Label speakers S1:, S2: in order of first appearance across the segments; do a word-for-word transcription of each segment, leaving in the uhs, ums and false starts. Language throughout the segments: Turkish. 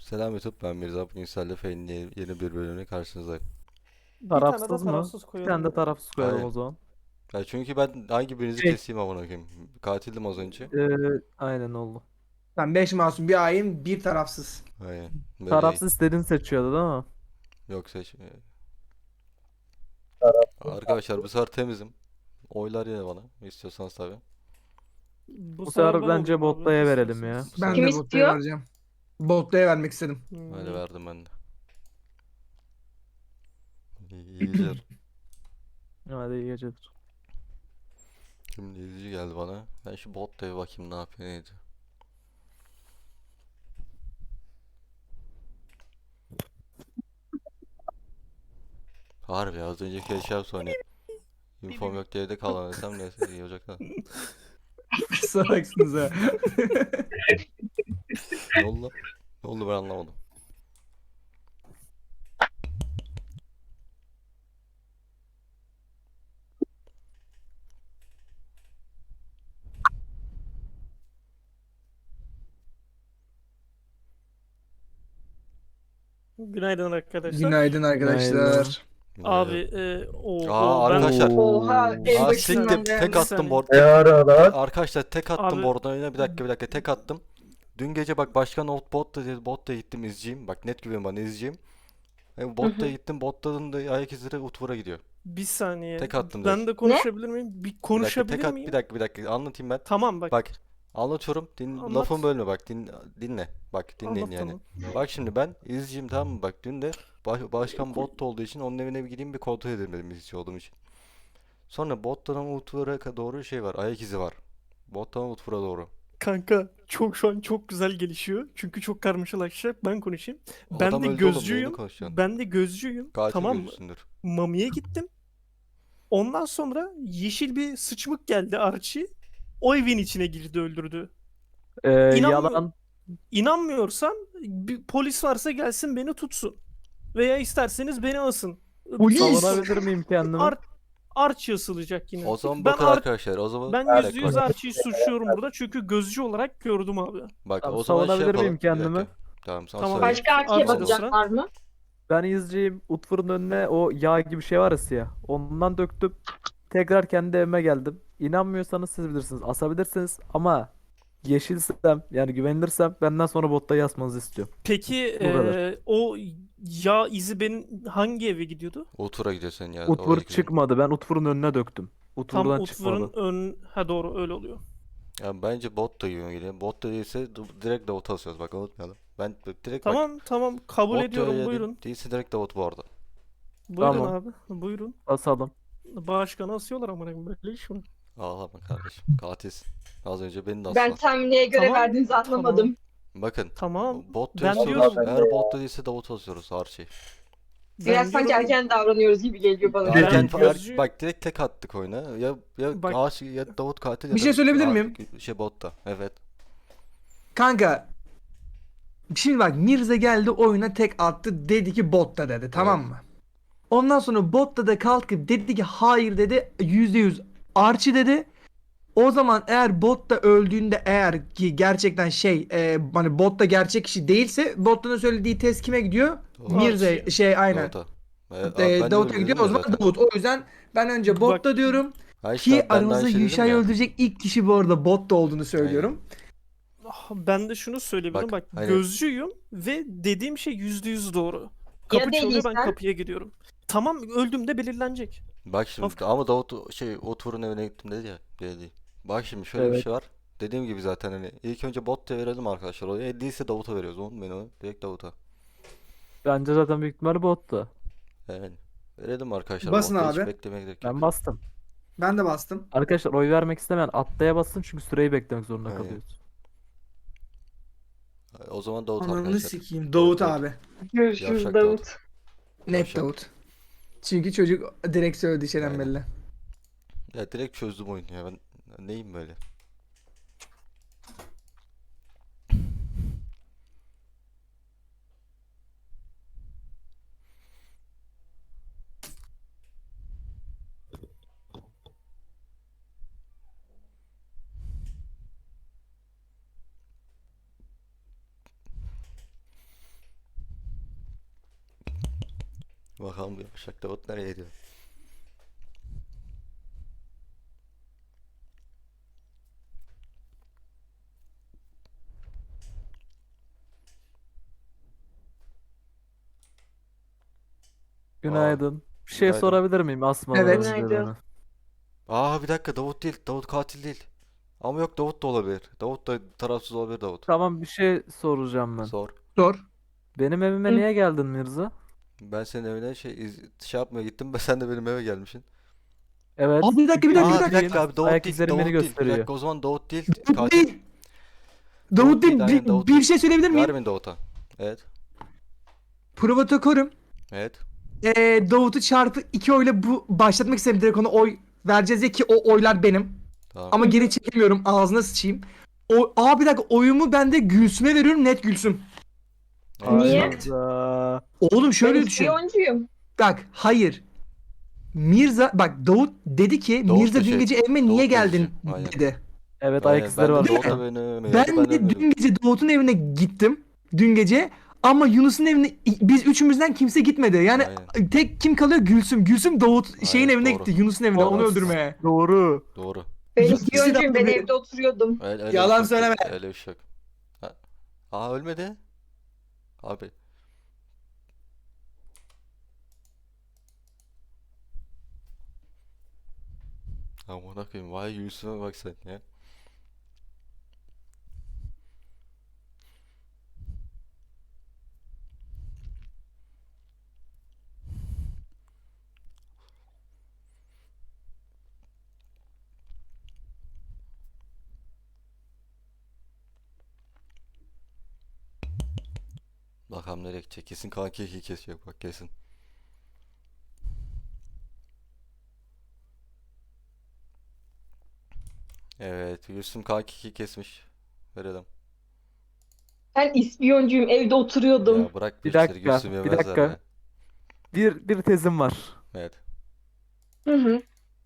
S1: Selam YouTube, ben Mirza. Bugün sizlerle Fey'in yeni yeni bir bölümüne karşınızdayım.
S2: Bir tane de
S3: Tarafsız mı?
S2: tarafsız
S3: Bir
S2: koyalım
S3: tane de
S2: ya.
S3: tarafsız koyalım
S1: Aynen.
S3: o zaman.
S1: Ya çünkü ben hangi birinizi
S3: Şey,
S1: keseyim amına koyayım. Katildim az önce.
S3: Ee, aynen oldu.
S4: Ben beş masum, bir hain, bir tarafsız.
S1: Aynen. Böyle iyi.
S3: Tarafsız istediğini seçiyordu değil mi?
S1: Yoksa hiç- Arkadaşlar bu sefer temizim. Oylar yine bana. İstiyorsanız tabii.
S2: Bu
S3: Bu
S2: sefer
S3: sefer
S2: ben
S3: bence
S2: olayım abi
S3: Botta'ya verelim ya.
S2: istiyorsanız.
S1: Bu
S4: Ben
S1: sefer
S5: Kim
S4: de Botta'ya
S5: istiyor?
S4: vereceğim. Botta'ya vermek istedim.
S1: öyle
S2: Hmm.
S1: verdim ben de. İyi, iyi geceler.
S3: Hadi iyi geceler.
S1: Şimdi izleyici geldi bana. Ben şu botta bir bakayım ne yapıyor neydi. Harbi ya, az önceki eşya sonra infom yok diye de kalan desem neyse iyi olacak da.
S4: Salaksınız ha.
S1: Ne oldu lan? Ne oldu ben anlamadım.
S2: Günaydın arkadaşlar.
S4: Günaydın arkadaşlar.
S2: Abi e, o,
S1: Aa,
S2: o ben
S1: arkadaşlar.
S5: Oha en
S1: Aa,
S5: başından
S1: siktir.
S5: beri.
S1: Tek attım board.
S6: Ne aralar?
S1: Arkadaşlar tek attım
S2: Abi-
S1: board'un önüne. Bir dakika bir dakika tek attım. Dün gece bak başkan ot bot da bot da gittim izciyim. Bak net güven bana izciyim. E, bot da gittim botların da ayak izleri Utvor'a gidiyor.
S2: bir saniye.
S1: Tek attım
S2: Ben
S1: direkt.
S2: de konuşabilir miyim? Bir
S1: Bir dakika
S2: konuşabilir
S1: tek at
S2: miyim?
S1: bir dakika bir dakika anlatayım ben.
S2: Tamam bak.
S1: Bak anlatıyorum. Din,
S2: Anlat.
S1: lafımı bölme bak din, dinle. Bak dinleyin
S2: Anlat
S1: yani.
S2: tamam.
S1: Bak şimdi ben izciyim tamam mı? Bak dün de baş- başkan bot olduğu için onun evine bir gideyim bir kontrol edelim dedim izci olduğum için. Sonra bottan Utvor'a doğru şey var. Ayak izi var. Bottan Utvor'a doğru.
S2: Kanka çok şu an çok güzel gelişiyor. Çünkü çok karmaşalaşacak. Ben konuşayım. Ben
S1: Adam
S2: de
S1: öldü oğlum, neyini
S2: gözcüyüm.
S1: konuşacaksın?
S2: Ben de gözcüyüm.
S1: Katil
S2: Tamam mı?
S1: gözüsündür.
S2: Mami'ye gittim. Ondan sonra yeşil bir sıçmık geldi Archie. O evin içine girdi öldürdü.
S3: Ee,
S2: İnanmıyor-
S3: yalan.
S2: İnanmıyorsan bir polis varsa gelsin beni tutsun. Veya isterseniz beni asın.
S4: Polis!
S3: Savunabilir miyim kendimi?
S2: Ar Archie asılacak yine.
S1: O zaman
S2: ben
S1: bakın
S2: Ar-
S1: arkadaşlar o zaman
S2: ben
S1: bir
S2: yüzde
S1: dakika
S2: yüz
S1: bak.
S2: Archie'yi suçluyorum burada çünkü gözcü olarak gördüm abi.
S1: Bak
S3: Tamam,
S1: o zaman şey
S3: savunabilir miyim
S1: yapalım. Bir
S3: kendimi?
S1: dakika. Tamam sana
S2: Tamam.
S1: söyleyeyim.
S5: Başka erkeğe
S2: Arkada
S5: bakacaklar mı?
S3: Ben izciyim. Utfur'un önüne o yağ gibi şey var ya siyah. Ondan döktüm. Tekrar kendi evime geldim. İnanmıyorsanız siz bilirsiniz. Asabilirsiniz ama yeşilsem yani güvenilirsem benden sonra botta yazmanızı istiyorum.
S2: Peki
S3: Bu kadar.
S2: eee, o yağ izi benim hangi eve gidiyordu?
S1: Utvor'a gidiyorsun ya.
S3: Utfur
S1: oradaki-
S3: çıkmadı. Ben Utfur'un önüne döktüm.
S2: Tam
S3: Utfur'dan
S2: Utfur'un
S3: çıkmadı.
S2: ön... Ha doğru öyle oluyor.
S1: Ya bence bot da yiyor geliyor. Bot da değilse d- direkt Davut asıyoruz bak unutmayalım. Ben b- direkt bak.
S2: Tamam tamam kabul
S1: Bot da
S2: ediyorum
S1: öyle
S2: buyurun.
S1: değilse direkt Davut bu arada.
S2: Buyurun
S3: Tamam.
S2: abi buyurun.
S3: Basalım.
S2: Başkanı asıyorlar ama böyle iş mi?
S1: Ağlama kardeşim. Katilsin. Az önce beni de
S5: Ben
S1: asma.
S5: tam neye göre
S2: Tamam,
S5: verdiğinizi anlamadım.
S1: Bakın.
S2: Tamam.
S1: Bot
S2: Ben
S1: asıyoruz.
S2: diyorum-
S1: Eğer bot da değilse Davut asıyoruz Archie.
S5: Biraz sanki
S2: diyorum-
S5: erken davranıyoruz gibi geliyor bana.
S2: Ben
S1: Erken fa- er-
S2: gözcü-
S1: bak direkt tek attık oyuna. Ya ya
S2: Bak-
S1: Archie ya Davut katil ya
S4: Bir şey
S1: da-
S4: söyleyebilir
S1: Ar-
S4: miyim?
S1: Şey bot da. Evet.
S4: Kanka. Şimdi bak Mirza geldi oyuna tek attı dedi ki Botta dedi tamam mı? Ondan sonra Botta da kalkıp dedi ki hayır dedi yüzde yüz Archie dedi. O zaman eğer Botta öldüğünde eğer ki gerçekten şey e, hani Botta gerçek kişi değilse Botta'nın söylediği test kime gidiyor?
S1: Davut.
S4: Mirza
S2: Archie.
S4: şey aynen.
S1: Davut'a. E,
S4: E,
S1: ben de
S4: Davut'a
S1: öyle
S4: gidiyor
S1: dedim
S4: o
S1: ya
S4: zaman
S1: zaten.
S4: Davut. O yüzden ben önce
S2: Bak-
S4: Botta diyorum
S1: Ha işte
S4: ki
S1: ben de aynı
S4: aramızda
S1: şey dedim
S4: Yuşa'yı
S1: ya.
S4: öldürecek ilk kişi bu arada Botta olduğunu söylüyorum.
S2: Ah, Ben de şunu söyleyebilirim.
S1: Bak,
S2: Bak,
S1: hani-
S2: gözcüyüm ve dediğim şey yüzde yüz doğru. Kapı çalıyor ben
S5: değilsen?
S2: kapıya gidiyorum. Tamam öldüğümde belirlenecek.
S1: Bak şimdi
S2: Of.
S1: ama Davut şey Utvor'un evine gittim dedi ya. Dedi. Bak şimdi şöyle bir
S3: Evet.
S1: şey var. Dediğim gibi zaten hani ilk önce bot da verelim arkadaşlar. O e, değilse Davut'a veriyoruz. Onu beni onu direkt Davut'a.
S3: Bence zaten büyük ihtimalle bottu.
S1: Yani verelim arkadaşlar.
S4: Basın
S1: Bot'ta hiç
S4: abi.
S1: beklemeye gerek yok.
S3: Ben bastım.
S4: Ben de bastım.
S3: Arkadaşlar oy vermek istemeyen atlaya bassın çünkü süreyi beklemek zorunda
S1: Aynen.
S3: kalıyoruz.
S1: O zaman Davut
S4: Ananı
S1: arkadaşlar.
S4: sikeyim. Davut
S1: Davut.
S4: abi.
S5: Görüşürüz
S1: Yavşak
S5: Davut.
S4: Net
S1: Yavşak.
S4: Davut. Çünkü çocuk direkt söyledi şeyden
S1: Aynen.
S4: belli.
S1: Ya direkt çözdüm oyunu ya. Ben neyim böyle? Bakalım Yavşak Davut nereye gidiyor?
S3: Günaydın. Bir şey
S1: günaydın.
S3: sorabilir miyim asmadan
S4: Evet.
S3: önce
S5: Günaydın.
S3: beni?
S1: Aa bir dakika, Davut değil. Davut katil değil. Ama yok, Davut da olabilir. Davut da tarafsız olabilir, Davut.
S3: Tamam, bir şey soracağım ben.
S1: Sor.
S4: Sor.
S3: Benim evime
S5: Hı.
S3: niye geldin Mirza?
S1: Ben senin evine şey iz, şey yapmaya gittim. Ben sen de benim eve gelmişsin.
S3: Evet.
S4: Abi bir dakika, bir dakika,
S1: Aa
S4: bir
S1: bir
S4: dakika.
S1: dakika abi, Davut
S3: Ayak
S1: değil.
S3: izlerim
S1: Davut
S3: beni
S1: değil. Bir
S3: gösteriyor.
S1: dakika, o zaman Davut değil.
S4: Davut
S1: Katil.
S4: değil. Davut değil.
S1: aynen,
S4: Bir,
S1: Davut
S4: bir
S1: değil.
S4: şey söyleyebilir miyim?
S1: Vermin Davut'a. Evet.
S4: Provokatörüm.
S1: Evet.
S4: Ee, Davut'u çarpı iki oyla bu başlatmak istedim, direkt ona oy vereceğiz ya ki o oylar benim.
S1: Tamam.
S4: Ama geri çekemiyorum, ağzına sıçayım. O, aa bir dakika, oyumu ben de Gülsüm'e veriyorum, net Gülsüm.
S1: Evet.
S5: Niye?
S3: Hayda.
S4: Oğlum
S5: Ben
S4: şöyle düşün.
S5: ispiyoncuyum.
S4: Bak hayır. Mirza bak, Davut dedi ki
S1: Davut
S4: Mirza
S1: da
S4: dün
S1: şey,
S4: gece evime niye
S1: Davut da
S4: geldin
S1: şey, aynen.
S4: dedi.
S3: Evet,
S1: Aynen,
S3: ayak izleri
S1: ben de
S3: var.
S1: Davut'a
S3: burada.
S1: benim evime
S4: Ben
S1: geldi. Ben
S4: de
S1: ölmedim.
S4: dün gece Davut'un evine gittim. Dün gece. Ama Yunus'un evine biz üçümüzden kimse gitmedi. Yani
S1: Aynen.
S4: tek kim kalıyor? Gülsüm. Gülsüm Davut şeyin
S1: Aynen,
S4: evine
S1: doğru.
S4: gitti. Yunus'un evine, onu
S3: Doğru.
S4: öldürmeye.
S3: Doğru.
S1: Doğru.
S5: Ben
S4: İkisi de
S5: ispiyoncuyum. Ben
S4: haklı.
S5: evde oturuyordum.
S1: Öyle, öyle
S4: Yalan
S1: bir şey yok.
S4: söyleme.
S1: Öyle bir şey yok. Ha. Aa ölmedi. Abi. Amına koyayım, vay Yusuf'a bak sen ya. Bakalım nereye gidecek. Kesin kanki iki kesiyor bak, kesin. Evet, Yusuf kanki iki kesmiş. Verelim.
S5: Ben ispiyoncuyum. Evde oturuyordum.
S1: Ya bırak
S3: Bir
S1: bir işleri,
S3: dakika,
S1: Yusuf
S3: bir
S1: yemezler
S3: dakika.
S1: ya.
S3: Bir bir tezim var.
S1: Evet.
S5: Hı hı.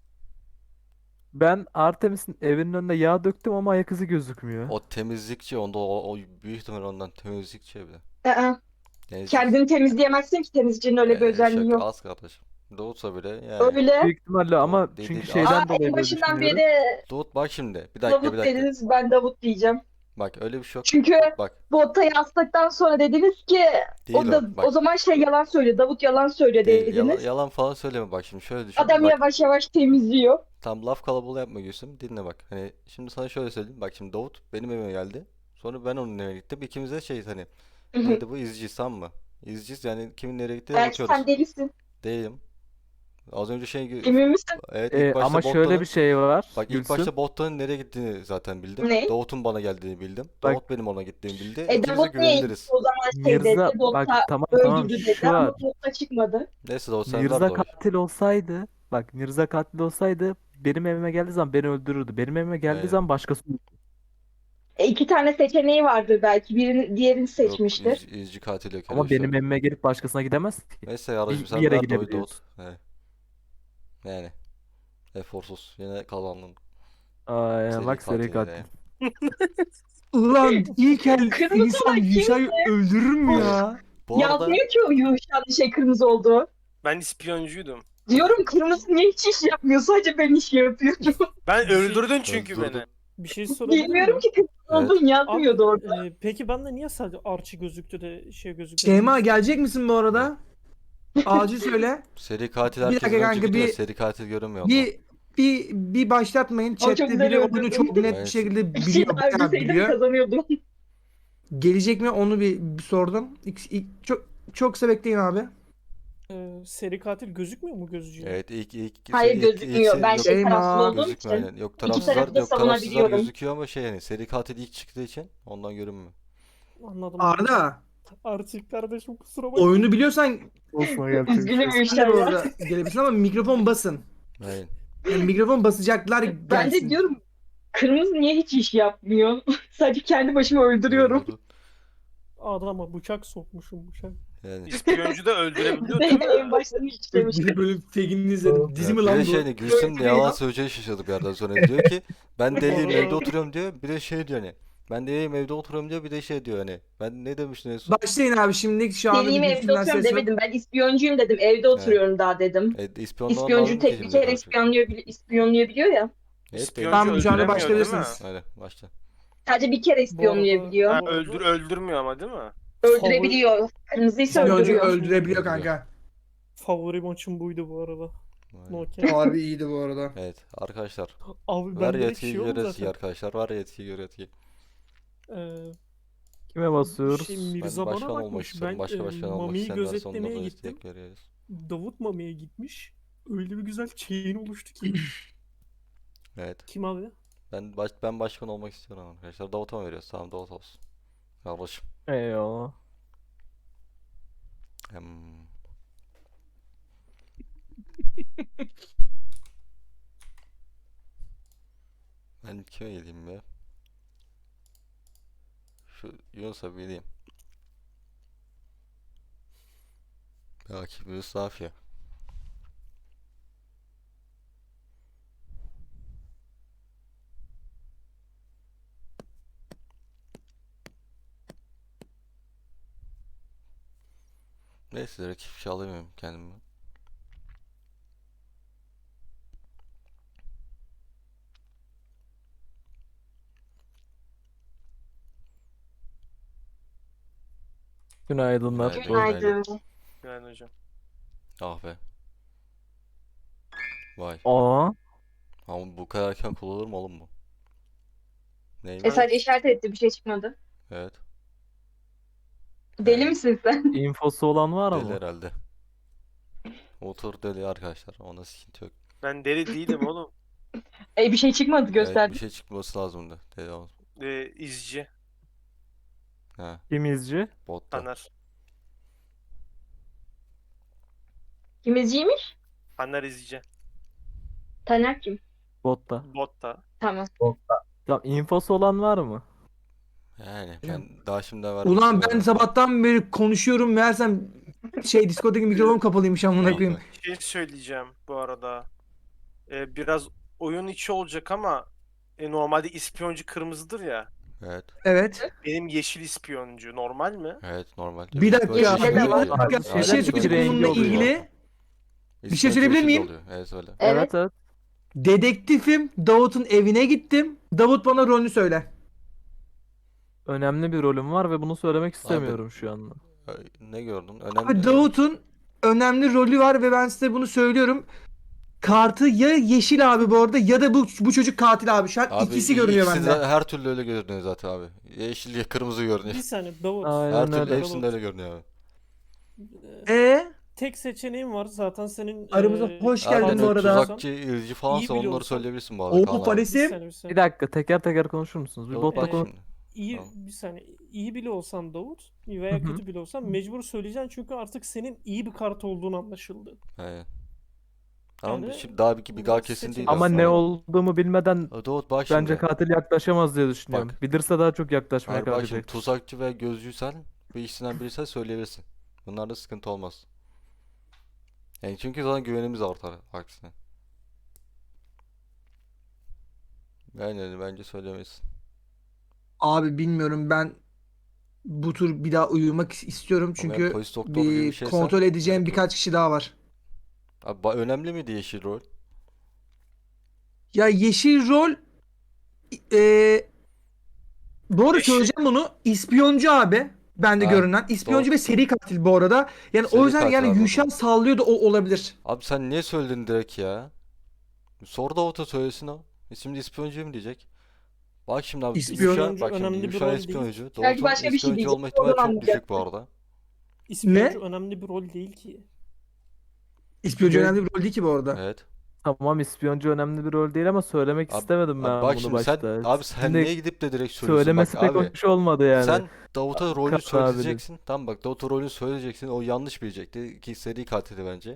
S3: Ben Artemis'in evinin önüne yağ döktüm ama ayak izi gözükmüyor.
S1: O temizlikçi, onda o, o büyük ihtimal ondan temizlikçi evde.
S5: Aa,
S1: Neyse.
S5: kendini temizleyemezsin ki, temizcinin öyle bir
S1: Ee,
S5: özelliği
S1: şaka
S5: yok.
S1: az kardeşim. Doğutsa bile yani.
S5: Öyle.
S3: Büyük ihtimalle ama
S1: değil,
S3: çünkü
S1: değil.
S3: şeyden
S5: Aa, en
S3: dolayı böyle
S5: başından
S3: düşünüyorum.
S5: beri
S1: Davut bak şimdi. Bir dakika,
S5: Davut
S1: bir dakika.
S5: dediniz, ben Davut diyeceğim.
S1: Bak öyle bir şey yok.
S5: Çünkü
S1: Bak
S5: botta yazdıktan sonra dediniz ki
S1: değil
S5: o da
S1: o. Bak
S5: o zaman şey yalan söylüyor. Davut yalan söylüyor
S1: değil. Yalan,
S5: dediniz.
S1: yalan falan söyleme, bak şimdi şöyle düşün.
S5: Adam
S1: Bak
S5: yavaş yavaş temizliyor.
S1: tam laf kalabalığı yapma Gülsüm. Dinle bak. Hani şimdi sana şöyle söyleyeyim. Bak şimdi Davut benim evime geldi. Sonra ben onun evine gittim. İkimiz de şey hani
S5: Hı hı.
S1: neydi bu, izciyiz tamam mı? İzciyiz yani, kimin nereye gittiğine
S5: Belki
S1: bakıyoruz.
S5: sen delisin.
S1: Değilim. Az önce şey gö-
S5: Emin misin?
S1: evet,
S3: Ee,
S1: ilk başta
S3: ama şöyle
S1: Bottan'ın
S3: bir şey var
S1: bak ilk
S3: Gülsüm.
S1: başta Bottan'ın nereye gittiğini zaten bildim.
S5: Ne?
S1: Davut'un bana geldiğini bildim.
S3: Bak-
S1: Davut benim ona gittiğimi bildi.
S5: E
S1: İkimiz de
S5: Davut niye
S1: güveniliriz.
S5: o zaman şey
S3: Mirza
S5: dedi,
S3: bak
S5: Botta
S3: tamam tamam
S5: öldürdü dedi
S3: şu
S5: ama
S3: var.
S5: Botta çıkmadı.
S1: Neyse Davut, sen ver
S3: Mirza
S1: de oy.
S3: katil olsaydı bak Mirza katil olsaydı benim evime geldiği zaman beni öldürürdü. Benim evime geldiği
S1: Evet.
S3: zaman başkası
S5: E iki tane seçeneği vardır belki. Birini, diğerini
S1: Yok,
S5: seçmiştir.
S1: iz, izci katil yok, öyle
S3: ama
S1: bir şey
S3: benim
S1: yok.
S3: evime gelip başkasına gidemez ki.
S1: Neyse yarışım,
S3: Bir,
S1: sen
S3: bir yere
S1: ver de oy
S3: gidebiliyoruz.
S1: Davut. He. Yani eforsuz. Yine kazandın.
S3: Aa,
S1: Seri
S3: bak seri
S1: katil
S3: katil.
S1: yine.
S4: Ulan ilk el
S5: Kırmızı
S4: insan
S5: olan
S4: Yuşa'yı öldürür mü ya?
S1: Bu arada
S5: Yazmıyor ki o yumuşak şey kırmızı oldu.
S6: Ben ispiyoncuydum.
S5: Diyorum kırmızı niye hiç iş yapmıyor? Sadece ben iş yapıyorum.
S6: Ben
S2: şey-
S6: öldürdün çünkü
S1: Öldürdün.
S6: beni.
S2: Bir şey sorabilir
S5: Bilmiyorum
S2: miyim?
S5: ki kırmızı
S1: Evet.
S5: olduğunu yazmıyordu orada.
S2: Abi, e, peki bende niye sadece Archie gözüktü de şey gözüktü?
S4: Şeyma gelecek misin bu arada? Acil söyle.
S1: seri katil
S4: Bir
S1: herkesten
S4: dakika
S1: önce
S4: kanka,
S1: gidiyor.
S4: bir-
S1: Seri katil görünmüyor onda.
S4: Bir bir bir başlatmayın.
S5: çok
S4: Chat'te
S5: güzel
S4: biri oyunu
S5: öldürdün.
S4: çok net bir
S1: Evet.
S4: şekilde
S5: Bir şey
S4: biliyor, bayağı
S5: vermeseydim
S4: biliyor.
S5: kazanıyordum.
S4: Gelecek mi onu bir, bir sordum. İlk, ilk- çok çok kısa bekleyin abi.
S2: Ee, seri katil gözükmüyor mu gözcüye?
S1: Evet, ilk ilk
S5: Hayır
S1: ilk- ilk
S5: gözükmüyor.
S1: seri-
S5: Ben
S1: yok,
S5: şey
S4: Şeyma.
S5: taraflı olduğum
S1: gözükmüyor
S5: için.
S1: aynen. Yok
S5: İki
S1: tarafsızlar,
S5: tarafı da
S1: yok tarafsızlar
S5: savunabiliyorum.
S1: gözüküyor ama şey yani seri katil ilk çıktığı için ondan görünmüyor.
S2: Anladım.
S4: Arda,
S2: Archie kardeşim kusura bakma.
S4: oyunu biliyorsan
S3: Olsun
S5: Üzgünüm
S4: sen de
S5: Yuşa
S4: bu
S5: ya.
S4: arada gelebilirsin ama mikrofon basın.
S1: Aynen.
S4: Yani mikrofon basacaklar
S5: Ben de
S4: gelsin.
S5: diyorum kırmızı niye hiç iş yapmıyor? Sadece kendi başıma öldürüyorum.
S1: Doğru.
S2: Adama bıçak sokmuşum bıçak.
S1: Yani.
S6: İspiyoncu da öldürebiliyor değil mi?
S5: en baştan hiç demiştim.
S4: Bir böyle fegini izledim. Dizi mi
S1: Ya bir
S4: lan
S1: de
S4: bu?
S1: şey hani Gülsüm de
S5: Öldürüyor.
S1: yalan söyleyeceği şaşırdı bir yerden sonra. Diyor ki ben deliyim, evde oturuyorum diyor. Bir de şey diyor hani Ben deliyim evde oturuyorum diyor bir de şey diyor hani. Ben ne demiştin en son?
S4: Başlayın abi şimdi şu anda
S5: Deliyim
S4: bir
S5: evde
S4: Gülsüm'den
S5: oturuyorum
S4: ses var.
S5: demedim. Ben ispiyoncuyum dedim. Evde oturuyorum daha dedim.
S1: E, ispiyonlaman
S5: İspiyoncu
S1: lazım ki
S5: tek bir
S1: şimdi
S5: kere
S1: karşı.
S5: ispiyonluyor, ispiyonlayabiliyor ya.
S1: Evet
S6: İspiyoncu
S1: belli.
S4: Tamam şu anda
S6: öldüremiyor değil mi?
S4: başlayabilirsiniz.
S1: Hadi başla.
S5: Sadece bir kere
S2: Bu arada,
S5: ispiyonlayabiliyor.
S6: Ha,
S2: bu arada
S6: öldür öldürmüyor ama değil mi?
S5: Öldürebiliyor. Kırmızıysa
S2: Favori-
S4: İspiyoncu
S5: öldürüyor.
S4: öldürebiliyor kanka.
S2: favori maçım buydu bu arada.
S1: Vay.
S2: No cap.
S4: Harbi iyiydi bu arada.
S1: Evet arkadaşlar.
S2: Abi
S1: Ver
S2: ben direkt
S1: yetkiyi
S2: şey
S1: gör
S2: oldum
S1: yetkiyi
S2: zaten.
S1: arkadaşlar. Ver yetkiyi gör yetkiyi.
S2: Ee,
S3: Kime basıyoruz?
S2: şey
S1: Ben
S2: Mirza bana
S1: başkan olmak
S2: bakmış.
S1: istiyorum.
S2: Ben
S1: Başka
S2: e,
S1: başkan olmak
S2: Mami'yi
S1: isteyenler sonunda
S2: gözetlemeye
S1: da
S2: gittim.
S1: istek veriyoruz.
S2: Davut Mami'ye gitmiş. Öyle bir güzel chain oluştu ki.
S1: Evet.
S2: Kim abi?
S1: Ben baş, ben başkan olmak istiyorum arkadaşlar. Davut'a mı veriyoruz? Tamam Davut olsun. Kardeşim.
S3: Eyvallah.
S1: Hmm. Ben kime gideyim be? Şu Yunus'a bir gideyim. Belki bir Yunus ya. Neyse rakip bir şey alamıyorum kendime.
S3: Günaydınlar.
S1: Günaydın.
S5: Günaydın.
S6: Yani hocam.
S1: Ah be. Vay.
S3: Aa,
S1: Ama bu kadar erken kullanılır mı oğlum bu?
S5: E
S1: Neymiş?
S5: sadece işaret etti, bir şey çıkmadı.
S1: Evet.
S5: Deli
S1: Evet.
S5: misin sen?
S3: infosu olan var
S1: Deli
S3: mı?
S1: herhalde. Otur deli arkadaşlar. Ona sıkıntı yok.
S6: Ben deli değilim oğlum.
S5: E bir şey çıkmadı,
S1: Evet
S5: gösterdi.
S1: bir şey çıkması lazımdı. Deli olsun.
S6: Ee, izci.
S1: Ha
S3: Kim izci?
S1: botta.
S6: Taner.
S5: Kimizciymiş?
S6: Taner izci.
S5: Taner kim?
S3: Botta.
S6: Botta.
S5: Tamam.
S3: Tamam, infosu olan var mı?
S1: Yani ben daha şimdiden vermek
S4: Ulan ben
S1: istemiyorum.
S4: sabahtan beri konuşuyorum meğersem şey Discord'daki mikrofon kapalıymış amına
S1: Ah
S4: koyayım.
S1: be.
S6: Bir şey söyleyeceğim bu arada. Ee, biraz oyun içi olacak ama e, normalde ispiyoncu kırmızıdır ya.
S1: Evet.
S4: Evet.
S6: Benim yeşil ispiyoncu normal mi?
S1: Evet normal.
S4: Bir dakika,
S1: Böyle
S5: Yeşilde
S1: şey
S5: de
S1: yok
S5: var.
S1: ya.
S3: Abi,
S4: Bir
S3: şeyler
S4: şey
S3: iki
S4: söyleyeceğim
S3: rengi
S4: bununla
S3: oluyor.
S4: ilgili. Bir şey
S1: İspiyoncu
S4: söyleyebilir
S1: yeşil
S4: miyim?
S1: oluyor. Evet söyle.
S5: Evet.
S3: Evet evet.
S4: Dedektifim, Davut'un evine gittim. Davut bana rolünü söyle.
S3: Önemli bir rolüm var ve bunu söylemek istemiyorum şu anda.
S1: Ay, ne gördün?
S4: Abi
S1: Önemli.
S4: Davut'un önemli rolü var ve ben size bunu söylüyorum. Kartı ya yeşil abi bu arada ya da bu bu çocuk katil abi. Şu an
S1: Abi
S4: ikisi görünüyor
S1: ikisi
S4: bende.
S1: de her türlü öyle görünüyor zaten abi. Yeşil ya kırmızı görünüyor.
S2: Bir saniye Davut.
S3: Aynen
S1: Her türlü
S3: öyle.
S1: hepsinde öyle görünüyor abi.
S2: Ee,
S4: E
S2: tek seçeneğim var zaten senin.
S4: Aramıza
S2: e,
S4: hoş
S1: Abi
S4: geldin bu
S1: böyle
S4: arada.
S1: tuzakçı, ilci falansa
S2: İyi
S1: onları
S2: biliyorsan-
S1: söyleyebilirsin bu arada
S4: Oo
S1: Kaan abi.
S2: Bir
S4: Paris'im.
S2: saniye, bir
S3: Bir
S2: saniye.
S3: dakika teker teker konuşur musunuz? Bir
S1: Davut
S3: botla
S1: bak
S3: konuş.
S1: şimdi.
S2: İyi
S1: Tamam.
S2: bir saniye. İyi bile olsan Davut veya
S3: Hı hı.
S2: kötü bile olsan mecbur söyleyeceksin çünkü artık senin iyi bir kart olduğunu anlaşıldı.
S1: Aynen. Tamam
S2: Yani
S1: şimdi daha bir, bir daha
S2: bunu
S1: kesin
S2: seçin.
S1: değil
S3: Ama
S1: aslında.
S3: ne olduğumu bilmeden
S1: Aa, Davut bak
S3: bence
S1: şimdi.
S3: katil yaklaşamaz diye düşünüyorum.
S1: Bak.
S3: Bilirse daha çok yaklaşmaya
S1: Hayır bak şimdi
S3: kalkacak.
S1: tuzakçı ve gözcüysen bu ikisinden birisi söyleyebilirsin. Bunlarda sıkıntı olmaz. Yani çünkü zaten güvenimiz artar aksine. Yani bence söylemesin.
S4: Abi bilmiyorum ben bu tur bir daha uyumak istiyorum
S1: Ama
S4: çünkü
S1: yani polis doktoru gibi bir
S4: bir
S1: şeysen
S4: kontrol edeceğim
S1: gerek yok.
S4: birkaç kişi daha var.
S1: Abi ba- önemli miydi yeşil rol?
S4: Ya yeşil rol eee doğru
S6: Yeşil-
S4: söyleyeceğim bunu. İspiyoncu abi. Bende
S1: Ha,
S4: görünen. İspiyoncu
S1: doğru.
S4: ve seri katil bu arada. Yani
S1: Seri
S4: o yüzden
S1: katil
S4: yani
S1: abi o
S4: Yuşan
S1: zaman.
S4: sallıyor da o olabilir.
S1: Abi sen niye söyledin direkt ya? Sor Davut'a söylesin o. E Şimdi ispiyoncu mu diyecek? Bak şimdi abi
S4: İspiyon-
S1: Yuşa,
S2: İspiyoncu
S1: bak şimdi
S2: önemli bir
S1: Yuşa
S2: rol değil.
S1: ispiyoncu.
S5: Belki
S1: Davut'un
S5: başka bir şey
S1: ispiyoncu
S5: diyecek,
S1: olma ihtimali
S5: oradan
S1: çok düşük bu
S5: anlayacaksın.
S1: arada.
S2: İspiyoncu önemli bir rol değil ki.
S4: İspiyoncu
S3: Ve-
S4: önemli bir rol değil ki bu arada.
S1: Evet.
S3: Tamam, ispiyoncu önemli bir rol değil ama söylemek
S1: Abi,
S3: istemedim
S1: abi
S3: ben
S1: bak
S3: bunu
S1: şimdi sen
S3: başta.
S1: abi sen
S3: Şimdi
S1: niye gidip de direkt söylüyorsun?
S3: söylemesi
S1: Bak
S3: pek
S1: abi
S3: hoş olmadı yani.
S1: sen Davut'a rolü
S3: Kaan abinin.
S1: söyleyeceksin. Tamam bak Davut'a rolü söyleyeceksin. O yanlış bilecekti ki seri katili bence.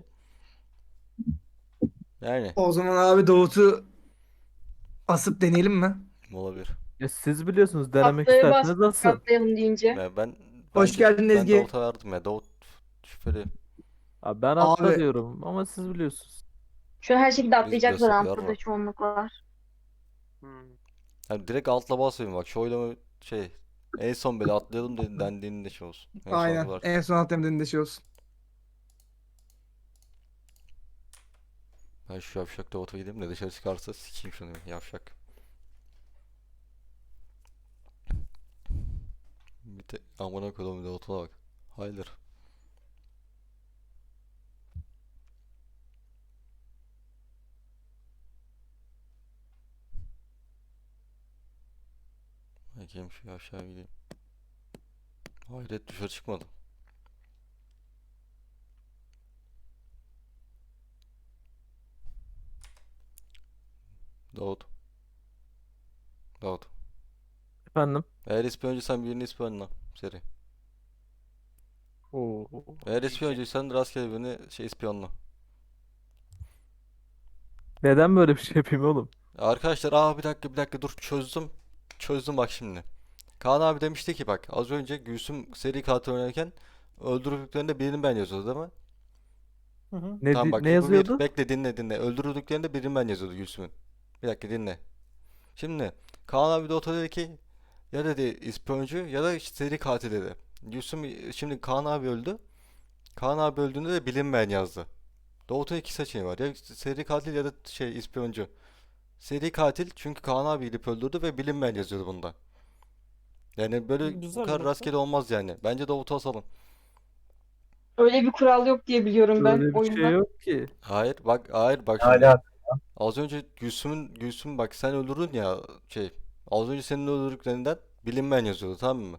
S1: Yani
S4: O zaman abi Davut'u asıp deneyelim mi?
S1: olabilir.
S3: Ya siz biliyorsunuz, denemek
S5: Haftaya bas,
S3: isterseniz asın.
S5: katlayalım deyince.
S1: Yani ben
S4: Hoş
S1: bence-
S4: geldin
S1: ben
S4: Ezgi.
S1: Davut'a verdim ya. Davut şüpheli.
S3: Abi ben atla
S4: Abi-
S3: diyorum ama siz biliyorsunuz.
S5: Şu an her şekilde atlayacaklar
S1: destekler
S5: Ampul'da
S1: var.
S5: çoğunluk var.
S6: Hmm.
S1: Yani direkt altla basmayın bak. Şu oylama şey en son böyle atlayalım dedi, dendiğinde şey olsun. En son
S4: Aynen.
S1: var.
S4: En son atlamadığında de şey olsun.
S1: Ben şu yavşak Davut'a gideyim de dışarı çıkarsa sikeyim şunu yavşak. Bir de amına koyduğum Davut'a bak. Hayır. Bakayım şu yavşağa gideyim. Hayret dışarı çıkmadı. Davut. Davut.
S3: Efendim?
S1: Eğer ispiyoncuysan birini ispiyonla. Seri.
S3: Oo.
S1: Eğer ispiyoncuysan rastgele birini şey ispiyonla.
S3: Neden böyle bir şey yapayım oğlum?
S1: Arkadaşlar aa bir dakika bir dakika dur çözdüm. Çözdüm bak şimdi. Kaan abi demişti ki bak az önce Gülsüm seri katil oynarken öldürdüklerinde birini ben yazıyordu değil mi?
S2: Hı hı.
S3: Ne,
S1: Tamam
S3: di-
S1: bak
S3: ne
S1: bu bir.
S3: yazıyordu?
S1: Bekle dinle dinle. Öldürdüklerinde birini ben yazıyordu Gülsüm'ün. Bir dakika dinle. Şimdi Kaan abi de oto dedi ki ya dedi ispiyoncu ya da işte seri katil dedi. Gülsüm şimdi Kaan abi öldü. Kaan abi öldüğünde de bilinmeyen yazdı. Doğu'da iki seçeneği var. Ya seri katil ya da şey ispiyoncu. Seri katil çünkü Kaan abi gidip öldürdü ve bilinmeyen yazıyordu bunda. Yani böyle bu
S2: Güzel
S1: kadar
S2: nokta.
S1: rastgele olmaz yani. Bence Davut'u asalım.
S5: Öyle bir kural yok diye biliyorum ben
S3: Böyle bir şey
S5: oyunda.
S3: yok ki.
S1: Hayır bak hayır bak şimdi.
S7: Hala
S1: Az önce Gülsüm'ün Gülsüm bak sen öldürdün ya şey. Az önce senin öldürdüklerinden bilinmeyen yazıyordu tamam mı?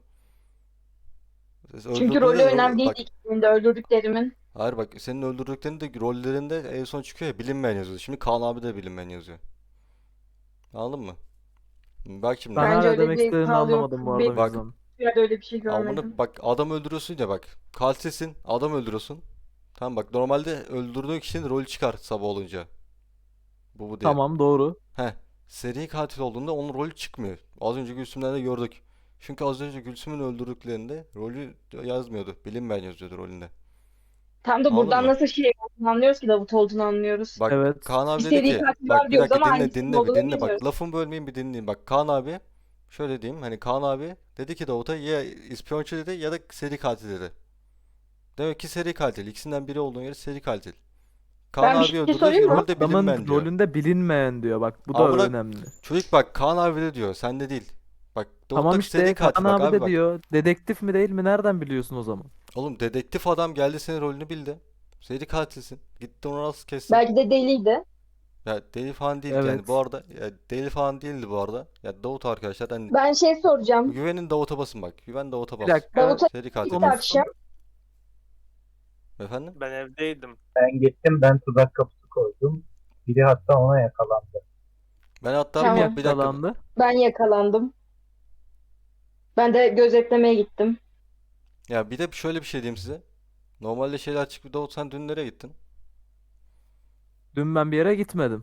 S5: Çünkü
S1: Öldürdüğünde
S5: rolü
S1: de
S5: önemli
S1: ro-
S5: değil
S1: bak
S5: ikisinde öldürdüklerimin.
S1: hayır bak senin öldürdüklerinin de rollerinde en son çıkıyor ya bilinmeyen yazıyordu. Şimdi Kaan abi de bilinmeyen yazıyor. Anladın mı? Bak şimdi.
S3: Ben
S5: Bence
S3: hala
S5: öyle
S3: demek
S5: bir
S3: istediğini
S5: kural yok.
S3: anlamadım bu arada
S5: Benim
S3: o
S1: Bak
S3: yüzden.
S5: yerde öyle bir şey görmedim.
S1: amına bak adam öldürüyorsun ya bak. Katilsin adam öldürüyorsun. Tamam bak normalde öldürdüğün kişinin rolü çıkar sabah olunca. Bu bu diye.
S3: Tamam doğru.
S1: Heh. Seri katil olduğunda onun rolü çıkmıyor. Az önce Gülsüm'den de gördük. Çünkü az önce Gülsüm'ün öldürdüklerinde rolü yazmıyordu. Bilinmeyen yazıyordu rolünde.
S5: Tam da
S1: Anladın
S5: buradan
S1: mı?
S5: nasıl şey olduğunu anlıyoruz ki Davut olduğunu anlıyoruz.
S1: Bak
S3: Evet.
S1: Kaan abi
S5: Bir
S1: dedi
S5: seri
S1: ki
S5: katil
S1: bak
S5: var
S1: bir
S5: diyoruz
S1: dakika
S5: ama
S1: dinle
S5: hangisinin
S1: dinle bir
S5: olduğunu
S1: dinle bak
S5: bilmiyoruz.
S1: lafımı bölmeyin bir dinleyin. Bak Kaan abi şöyle diyeyim hani Kaan abi dedi ki Davut'a ya ispiyoncu dedi ya da seri katil dedi. Demek ki seri katil. İkisinden biri olduğuna göre seri katil. Kaan
S5: Ben bir
S1: abi
S5: şey
S1: öldürdü
S5: sorayım mı?
S1: rolde
S3: Adamın
S1: bilinmeyen diyor.
S3: rolünde bilinmeyen diyor. Bak bu da
S1: Amına
S3: önemli.
S1: çocuk bak Kaan abi de diyor sende değil. Bak
S3: Tamam
S1: Davut'taki seri
S3: işte
S1: katil
S3: Kaan
S1: bak
S3: abi
S1: abi
S3: de
S1: bak.
S3: diyor. Dedektif mi değil mi? Nereden biliyorsun o zaman?
S1: Oğlum dedektif adam geldi senin rolünü bildi. Seri katilsin. Gitti onu nasıl kessin?
S5: Belki de deliydi.
S1: Ya deli falan değil yani bu
S3: Evet.
S1: arada ya deli falan değildi bu arada. Ya Davut arkadaşlar hani
S5: Ben şey soracağım.
S1: güvenin Davut'a basın bak. Güven Davut'a
S3: Bir
S1: bas.
S3: dakika.
S5: Davut'a
S1: Seri
S5: gitti
S1: katil.
S3: Konuşsun.
S5: akşam.
S1: Efendim?
S6: Ben evdeydim.
S7: ben gittim, ben tuzak kapısı koydum. Biri hatta ona yakalandı.
S1: Ben hatta
S5: Tamam.
S1: bir, bir dakika.
S3: Yakalandı.
S5: Ben yakalandım. Ben de gözetlemeye gittim.
S1: Ya bir de şöyle bir şey diyeyim size. Normalde şeyler açık bir Davut sen dün nereye gittin?
S3: Dün ben bir yere gitmedim.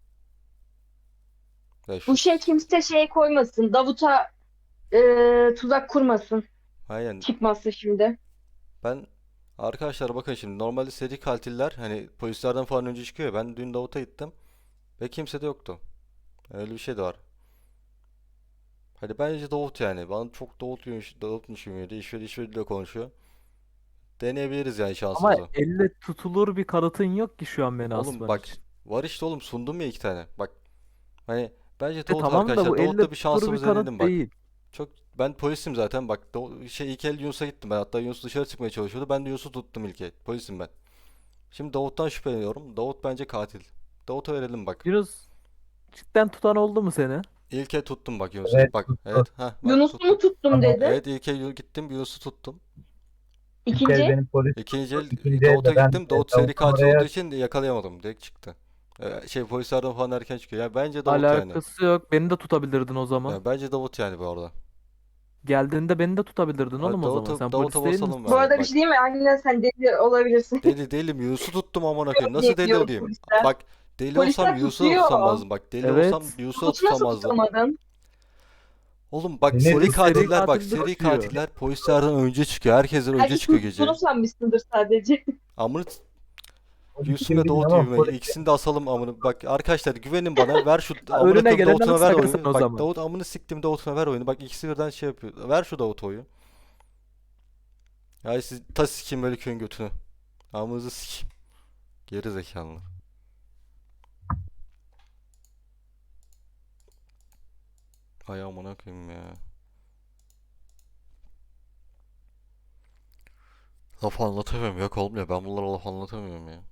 S1: Ya şu
S5: Bu şey kimse şey koymasın. Davut'a e, tuzak kurmasın.
S1: aynen.
S5: Çıkmasın şimdi.
S1: Ben arkadaşlar bakın şimdi normalde seri katiller hani polislerden falan önce çıkıyor ya. Ben dün Davut'a gittim ve kimse de yoktu. Öyle bir şey de var. Hadi bence Davut yani. Bana çok Davut Davutmuş gibi geliyor. İşveri işveriyle konuşuyor. Deneyebiliriz yani
S3: Ama
S1: şansımızı.
S3: elle tutulur bir kanıtın yok ki şu an beni
S1: Oğlum
S3: asman
S1: bak
S3: için.
S1: var işte oğlum sundum ya iki tane. Bak hani bence
S3: E
S1: Davut
S3: tamam da
S1: arkadaşlar
S3: bu elle
S1: Davut'la bir
S3: tutulur bir
S1: şansımızı denedim
S3: kanıt
S1: bak.
S3: değil.
S1: Çok ben polisim zaten bak Dav- şey ilk el Yunus'a gittim ben hatta Yunus dışarı çıkmaya çalışıyordu. Ben de Yunus'u tuttum ilk el. Polisim ben. Şimdi Davut'tan şüpheleniyorum. Davut bence katil. Davut'a verelim bak.
S3: Yunus cidden tutan oldu mu seni?
S1: İlk el tuttum bak Yunus'u.
S7: Evet,
S1: Bak
S7: tuttu.
S1: evet ha bak
S5: Yunus'u
S1: tuttum.
S5: mu tuttum
S7: Ama
S5: dedi.
S1: Evet ilk el gittim Yunus'u tuttum.
S7: Bir kez
S5: İkinci.
S7: benim polis
S1: İkinci el
S7: ikinci elde
S1: Davut'a
S7: ben
S1: gittim.
S7: e,
S1: Davut seri
S7: Davut'un
S1: katil
S7: oraya
S1: olduğu için yakalayamadım. Direkt çıktı. Ee, şey polislerden falan erken çıkıyor. Yani bence Davut yani.
S3: Alakası yok. Beni de tutabilirdin o zaman.
S1: Ya bence Davut yani bu arada.
S3: Geldiğinde beni de tutabilirdin
S1: Hadi
S3: oğlum o zaman.
S1: Davut'a
S3: Sen
S1: Davut'a
S3: polis değil
S1: basalım
S3: misin?
S5: Bu
S1: bence.
S5: arada bir
S1: Bak
S5: şey diyeyim mi? Aynen sen deli olabilirsin.
S1: deli değilim. Yunus'u tuttum amına koyayım. Nasıl
S5: diye
S1: deli
S5: diyor
S1: olayım?
S5: polisler.
S1: Bak deli
S5: Polisler
S1: olsam Yunus'u da
S5: tutuyor.
S1: tutamazdım. Bak deli
S3: Evet.
S1: olsam Yunus'u da
S5: Davut'u nasıl
S1: tutamazdım.
S5: tutamadın?
S1: Oğlum bak
S7: Beni
S1: seri
S7: bu
S3: seri
S1: katiller bak
S3: katil
S1: seri
S3: tutuyor.
S1: katiller polislerden önce çıkıyor. Herkesten önce
S5: Belki
S1: çıkıyor gece.
S5: tuttuğunu sanmışsındır sadece.
S1: Amına Gülsüm ve Davut
S7: Ama
S1: gibi.
S7: polis-
S1: İkisini de asalım amına. Bak arkadaşlar güvenin bana. Ver şu amına
S3: Önüne
S1: koyayım
S3: geleni
S1: Davut'una ver
S3: ıslak
S1: oyunu.
S3: o
S1: Bak
S3: zaman.
S1: Davut amını siktim Davut'una ver oyunu. Bak ikisi birden şey yapıyor. Ver şu Davut oyu. Ya siz ta sikeyim böyle köyün götünü. Amınızı sikeyim. Geri zekalılar. Ay amına koyayım ya. Laf anlatamıyorum yok olmuyor. Ben bunlara laf anlatamıyorum ya.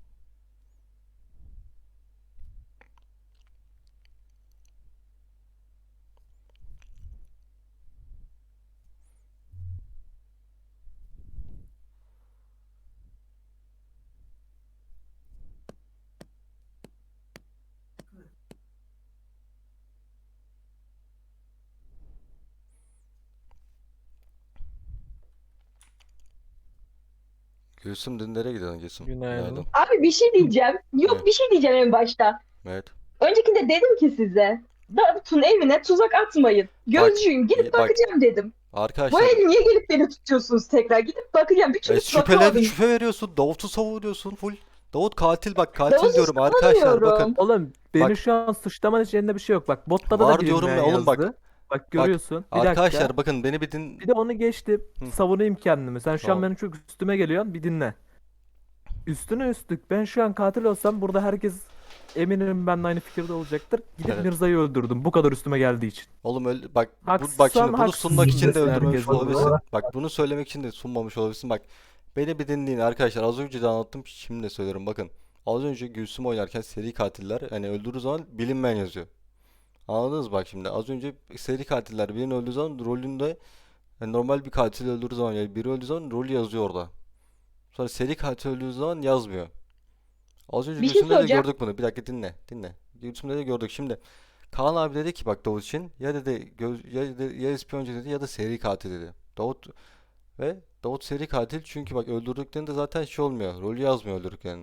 S1: Gülsüm dün nereye gidiyorsun Gülsüm?
S3: Günaydın.
S5: Abi bir şey diyeceğim. Yok
S1: Evet.
S5: bir şey diyeceğim en başta.
S1: Evet.
S5: Öncekinde dedim ki size Davut'un evine tuzak atmayın. Gözcüyüm
S1: Bak,
S5: gidip
S1: bak.
S5: bakacağım dedim. Bu
S1: Arkadaşlar
S5: el niye gelip beni tutuyorsunuz tekrar? Gidip bakacağım. Bir
S1: e,
S5: türlü
S1: şüpheli
S5: bakamadım.
S1: şüphe veriyorsun. Davut'u savunuyorsun full. Davut katil bak katil
S5: Davut'u
S1: diyorum arkadaşlar bakın.
S5: savunuyorum.
S3: Oğlum beni
S1: Bak.
S3: şu an suçlaman için elinde bir şey yok. Bak botlarda
S1: Var
S3: da
S1: diyorum ya
S3: bilinmeyen
S1: oğlum bak.
S3: yazdı. Bak görüyorsun. Bir
S1: Arkadaşlar
S3: dakika.
S1: bakın beni bir din...
S3: Bir de onu geçtim.
S1: Hı.
S3: Savunayım kendimi. Sen şu
S1: Tamam.
S3: an benim çok üstüme geliyorsun. Bir dinle. Üstüne üstlük. Ben şu an katil olsam burada herkes eminim benimle aynı fikirde olacaktır. Gidip
S1: Evet.
S3: Mirza'yı öldürdüm. Bu kadar üstüme geldiği için.
S1: Oğlum öyle bak bu,
S3: Haksızsan
S1: bak şimdi bunu sunmak için de
S3: haksızsın
S1: öldürmemiş
S3: herkes
S1: olabilirsin.
S3: burada.
S1: Bak bunu söylemek için de sunmamış olabilirsin. Bak beni bir dinleyin arkadaşlar. Az önce de anlattım şimdi de söylüyorum bakın. Az önce Gülsüm oynarken seri katiller hani öldürdüğü zaman bilinmeyen yazıyor. Anladınız bak şimdi az önce seri katiller birini öldürdüğü zaman rolünde yani normal bir katil öldürdüğü zaman yani biri öldüğü zaman rolü yazıyor orada. Sonra seri katil öldüğü zaman yazmıyor. Az önce
S5: Bir şey
S1: Gülsüm'de de
S5: söyleyeceğim.
S1: gördük bunu. Bir dakika dinle. Dinle. Gülsüm'de de gördük. Şimdi Kaan abi dedi ki bak Davut için ya dedi göz, ya, dedi, ya ispiyoncu dedi ya da seri katil dedi. Davut ve Davut seri katil çünkü bak öldürdüklerinde zaten şey olmuyor. Rolü yazmıyor öldürdüklerinin.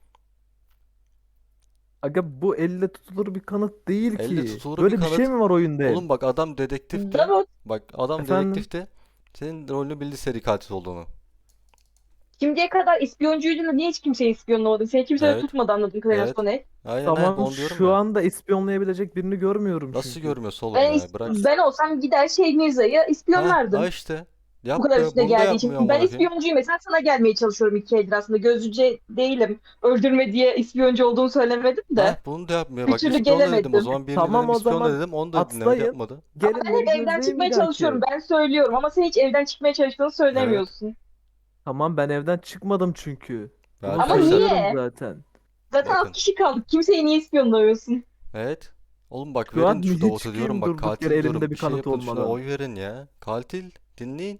S3: Aga bu elle tutulur bir kanıt değil
S1: Elle
S3: ki.
S1: tutulur
S3: Böyle
S1: bir
S3: bir şey
S1: kanıt.
S3: mi var oyunda?
S1: Oğlum bak adam dedektifti.
S5: Davut
S1: Bak adam
S3: Efendim?
S1: dedektifti. Senin rolünü bildi seri katil olduğunu.
S5: şimdiye kadar ispiyoncuydun da niye hiç kimseyi ispiyonlamadın? Seni kimse de
S1: Evet.
S5: tutmadı anladığım kadarıyla
S1: Evet.
S5: Soner.
S1: Aynen aynen
S3: Tamam
S1: onu diyorum
S3: şu
S1: ya.
S3: anda ispiyonlayabilecek birini görmüyorum
S1: Nasıl
S3: çünkü.
S1: görmüyorsun oğlum
S5: Ben,
S1: ya?
S5: is-
S1: Bırak.
S5: ben olsam gider şey Mirza'yı
S1: Ha,
S5: ispiyonlardım.
S1: ha işte.
S5: Bu kadar
S1: Yapmıyor.
S5: üstüne
S1: Bunu da
S5: geldiği için.
S1: yapmıyor
S5: Ben
S1: amına koyayım.
S5: ispiyoncuyum mesela sana gelmeye çalışıyorum iki eldir aslında. Gözcü değilim. Öldürme diye ispiyoncu olduğunu söylemedim de.
S1: Ha, bunu da yapmıyor.
S5: Bir
S1: Bak
S5: türlü
S1: ispiyonla dedim o
S5: gelemedim.
S1: zaman birini
S3: Tamam,
S1: dedim
S3: o
S1: ispiyonla
S3: zaman
S1: dedim onu da dinlemedi
S3: atlayın.
S1: yapmadı.
S3: Gelin
S5: Ben hep
S3: beni
S5: evden
S3: gözleyin
S5: çıkmaya
S3: bir dahaki.
S5: çalışıyorum. Ben söylüyorum ama sen hiç evden çıkmaya çalıştığını söylemiyorsun.
S3: Tamam ben evden çıkmadım çünkü.
S1: Ve
S3: Bunu
S5: Ama
S1: arkadaşlar
S5: niye?
S3: söylüyorum zaten.
S5: Zaten
S1: bakın.
S5: alt kişi kaldık. Kimseyi niye ispiyonlamıyorsun?
S1: Evet. Oğlum bak
S3: Şu an
S1: verin şu
S3: niye
S1: Davut'a
S3: çıkayım
S1: diyorum bak
S3: durduk
S1: katil
S3: yere
S1: diyorum
S3: elimde bir
S1: bir şey
S3: kanıt
S1: yapın şuna
S3: olmadan?
S1: oy verin ya. Katil dinleyin.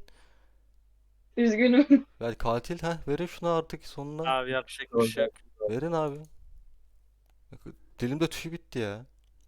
S5: Üzgünüm.
S1: Ya katil ha verin şuna artık sonuna.
S6: Abi yapacak bir şey yok.
S1: Verin abi. Bak, dilimde tüy bitti ya.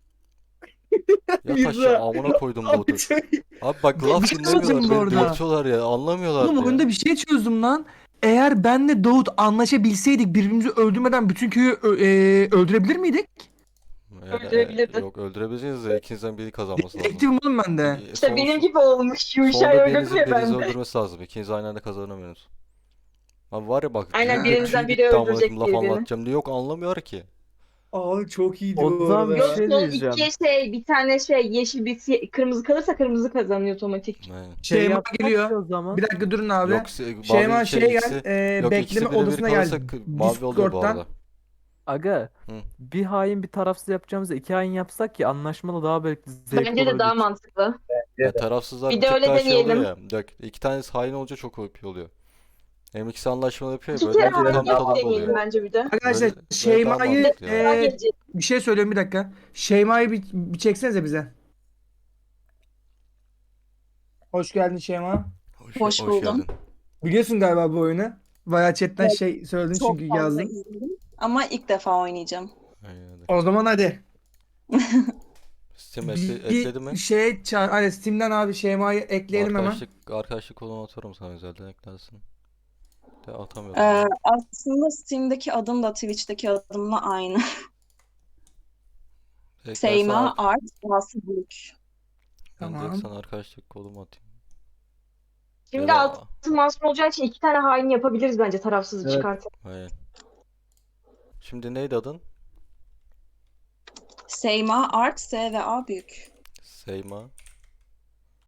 S1: Yat
S4: Mirza.
S1: aşağı amına koydum Davut'u.
S4: Abi, şey-
S1: Abi bak laf
S4: Bir şey
S1: dinlemiyorlar
S4: söyleyeceğim bu
S1: beni
S4: arada.
S1: dürtüyorlar ya anlamıyorlar
S4: Oğlum
S1: ya.
S4: oyunda bir şey çözdüm lan. Eğer benle Davut anlaşabilseydik birbirimizi öldürmeden bütün köyü ö- e, öldürebilir miydik?
S1: Yani,
S5: Öldürebilirdin.
S1: e, yok öldürebileceğiniz de ikinizden biri kazanması lazım.
S4: Dedektifim oğlum ben de.
S1: E,
S5: İşte
S1: son-
S5: benim gibi olmuş. Yuşay
S1: Sonunda
S5: öldürdü
S1: birinizin
S5: ya
S1: birinizi
S5: ben de.
S1: öldürmesi lazım. İkiniz aynı anda kazanamıyorsunuz. Abi var ya bak
S5: Aynen,
S1: dilimde
S5: birinizden
S1: tüy
S5: biri
S1: bitti amına
S5: öldürecek
S1: koyayım, laf
S5: birbirini.
S1: anlatacağım diye yok anlamıyor ki.
S4: Aa çok iyiydi
S3: O
S4: bu
S3: zaman bir
S4: arada.
S3: şey
S5: Son
S3: diyeceğim.
S5: iki şey bir tane şey yeşil bir si- kırmızı kalırsa kırmızı kazanıyor otomatik.
S1: Aynen.
S3: Şey
S4: Şeyma
S3: yapsak
S4: geliyor.
S3: ki o zaman.
S4: Bir dakika durun abi.
S1: Yok se-
S4: Şeyma
S1: mavi
S4: şey
S1: şey
S4: gel.
S1: ikisi
S4: e,
S1: yok ikisi
S4: bekleme
S1: bire bir
S4: odasına gel.
S1: kalırsa k- mavi oluyor bu
S4: Discord'dan.
S1: arada.
S3: Aga
S1: Hı.
S3: bir hain bir tarafsız yapacağımıza iki hain yapsak ki anlaşmalı daha belki zevkli
S5: Bence de daha
S3: olabilir.
S5: mantıklı.
S1: Ya tarafsızlar
S5: Bir
S1: bir
S5: de
S1: tık
S5: öyle
S1: daha şey oluyor
S5: deneyelim.
S1: ya. Bak iki tanesi hain olunca çok O P oluyor. Hem ikisi anlaşmalı yapıyor
S5: İki
S1: ya
S5: kere
S1: böyle
S5: hain
S1: tam
S5: yapıp
S1: tadı
S5: deneyelim
S1: oluyor.
S5: bence bir de.
S4: Arkadaşlar
S1: Böyle- böyle daha
S4: Şeyma'yı
S1: mantıklı yani.
S5: Daha
S4: e,
S5: gelecek.
S4: bir şey söylüyorum bir dakika. Şeyma'yı bir, bir çeksenize bize. Hoş geldin Şeyma.
S1: Hoş,
S8: Hoş
S1: hoş
S8: buldum.
S1: geldin.
S4: Biliyorsun galiba bu oyunu. Bayağı chatten şey söyledin
S8: Çok
S4: çünkü
S8: fazla
S4: yazdın.
S8: izledim ama ilk defa oynayacağım.
S1: Aynen öyle.
S4: O zaman hadi.
S1: Steam ekle, ekledi mi?
S4: Bir şey çağır. Hani Steam'den abi Şeyma'yı ekleyelim hemen.
S1: Arkadaşlık, arkadaşlık kolunu atıyorum sana özelden eklersin. De atamıyorum.
S8: Ee,
S1: ya.
S8: aslında Steam'deki adım da Twitch'teki adımla aynı.
S1: Eklersen
S8: Seyma
S1: ar-
S8: Art Rahatsızlık.
S1: ben direkt
S4: Tamam.
S1: sana arkadaşlık kolumu atayım.
S5: Şimdi
S1: Ya da-
S5: altı masum olacağı için iki tane hain yapabiliriz bence tarafsızı
S3: Evet.
S5: çıkartıp.
S1: Aynen. Şimdi neydi adın?
S8: Seyma, Art, S ve A büyük.
S1: Seyma.